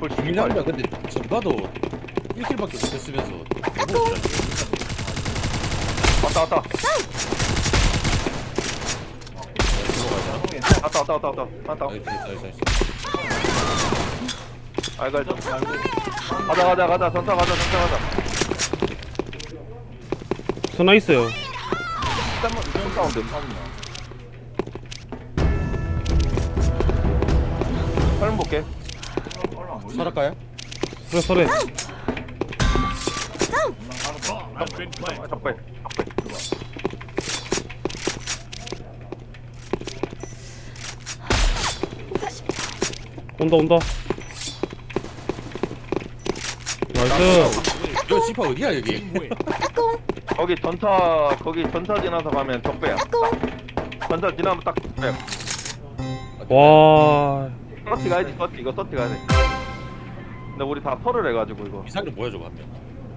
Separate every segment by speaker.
Speaker 1: 김민환이가 근데 전가도 1킬밖에 못했으면서
Speaker 2: 왔다. 왔다.
Speaker 1: 나이스.
Speaker 2: 알갈 좀. 가자. 전차 가자.
Speaker 3: 선나 있어요.
Speaker 2: 사운드. 설문 볼게.
Speaker 1: 설할까요?
Speaker 3: 서래.
Speaker 2: 적배.
Speaker 3: 온다. 나이스.
Speaker 1: 저 씨파 어디야 여기?
Speaker 2: 거기 전차 지나서 가면 적배야. 전차 지나면 딱 적배야.
Speaker 3: 와.
Speaker 2: 서치 가야지. 이거 서치 가야 돼. 근데 우리 다 털을 해가지고 이거.
Speaker 1: 미사일은 뭐야 저거 한 명?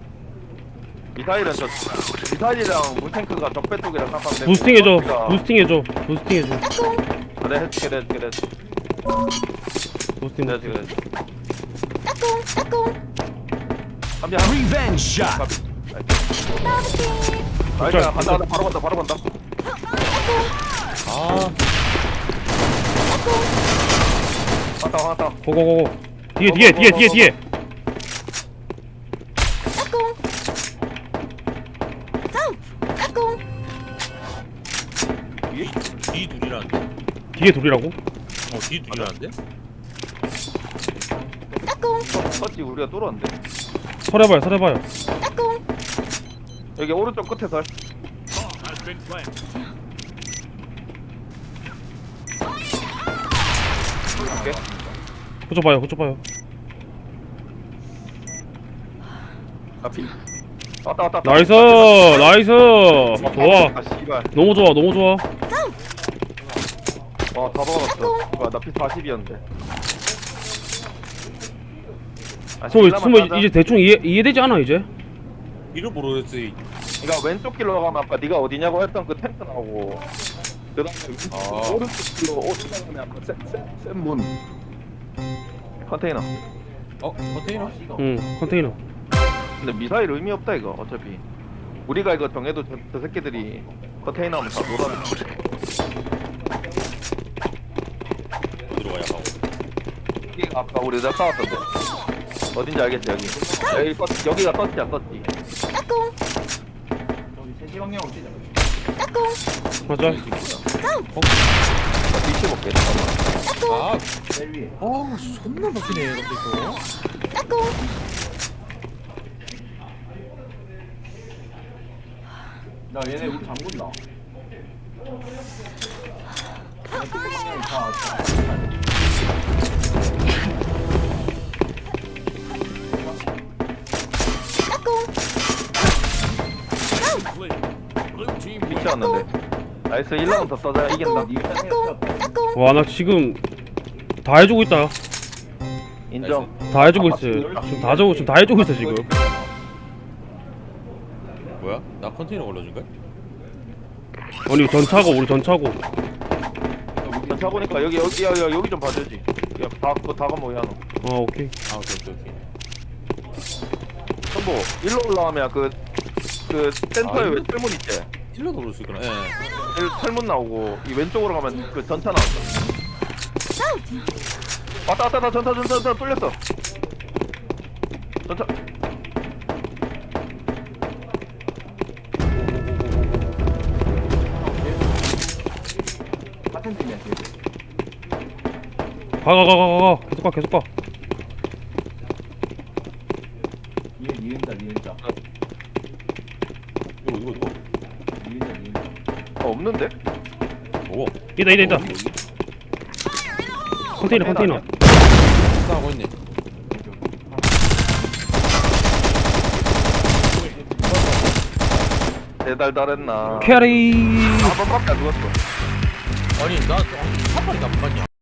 Speaker 2: 미사일이랑 물탱크가 적배 쪽이랑 깜빡.
Speaker 3: 부스팅해줘.
Speaker 2: 그래 해줄게.
Speaker 3: 부스팅.
Speaker 2: 감자.
Speaker 4: Revenge shot.
Speaker 2: 나이스. 간다. 바로 간다.
Speaker 1: 아
Speaker 2: 왔다.
Speaker 3: 고고고고. 뒤에.
Speaker 1: 뒤 둘이라는데?
Speaker 3: 뒤에 둘이라고?
Speaker 1: 뒤 둘이라는데?
Speaker 2: 서치 우리가 뚫었는데.
Speaker 3: 서려봐요.
Speaker 2: 여기 오른쪽 끝에 설.
Speaker 3: 호줘봐요.
Speaker 2: 앞이. 왔다.
Speaker 3: 나이스. 좋아.
Speaker 2: 아 씨발.
Speaker 3: 너무 좋아.
Speaker 2: 와, 다 박았어. 나 피 40이었는데.
Speaker 3: 스모 이제 대충 이해되지 않아 이제?
Speaker 1: 이름 모르겠지.
Speaker 2: 그러니까 왼쪽 길로 가면 아까 네가 어디냐고 했던 그 텐트 나오고 그 다음에 오른쪽 길로 오른쪽 가면 아까 센문 컨테이너.
Speaker 1: 컨테이너?
Speaker 3: 응, 컨테이너.
Speaker 2: 근데 미사일 의미 없다 이거 어차피. 우리가 이거 정해도 저 새끼들이 컨테이너 하면 다 놀아내.
Speaker 1: 어디로 가야 하고?
Speaker 2: 이게 아까 우리 내가 싸웠던데. 어딘지 알겠지 여기. 여기가 떴지야 떴지.
Speaker 3: 맞아.
Speaker 2: 위치 볼게 잠깐만.
Speaker 1: 존나 막히네 근데 이거.
Speaker 5: 나 얘네 우리 장군다.
Speaker 2: 위치 왔는데. 나이스 1라운드 더 써자 이긴다.
Speaker 3: 와, 나 지금 다 해주고 있다.
Speaker 2: 인정.
Speaker 3: 다 해주고 있어. 지금 다 해주고 있어 지금.
Speaker 1: 뭐야? 나 컨테이너 걸러준 거야?
Speaker 3: 아니 우리 전차고.
Speaker 2: 차 보니까 여기 좀 봐주지. 다 가면 왜 하노?
Speaker 3: 오케이.
Speaker 1: 오케이.
Speaker 2: 전보 일로 올라가면 그 센터에 왜 철문 있지?
Speaker 1: 일로 오를 수 있구나. 예.
Speaker 2: 철문 나오고 이 왼쪽으로 가면 그 전차 나온다. 왔다 전차 뚫렸어. 전차.
Speaker 5: 같은 팀이야 지금.
Speaker 3: 가. 계속 가.
Speaker 5: 니은자.
Speaker 1: 이거.
Speaker 5: 니은자.
Speaker 2: 없는데?
Speaker 1: 뭐?
Speaker 3: 있다. 컨테이너.
Speaker 1: 싸우고 있네.
Speaker 2: 대달달했나?
Speaker 3: 캐리.
Speaker 2: 한 번밖에 안 죽었어.
Speaker 1: 아니 나 한 마리도 안 맞냐?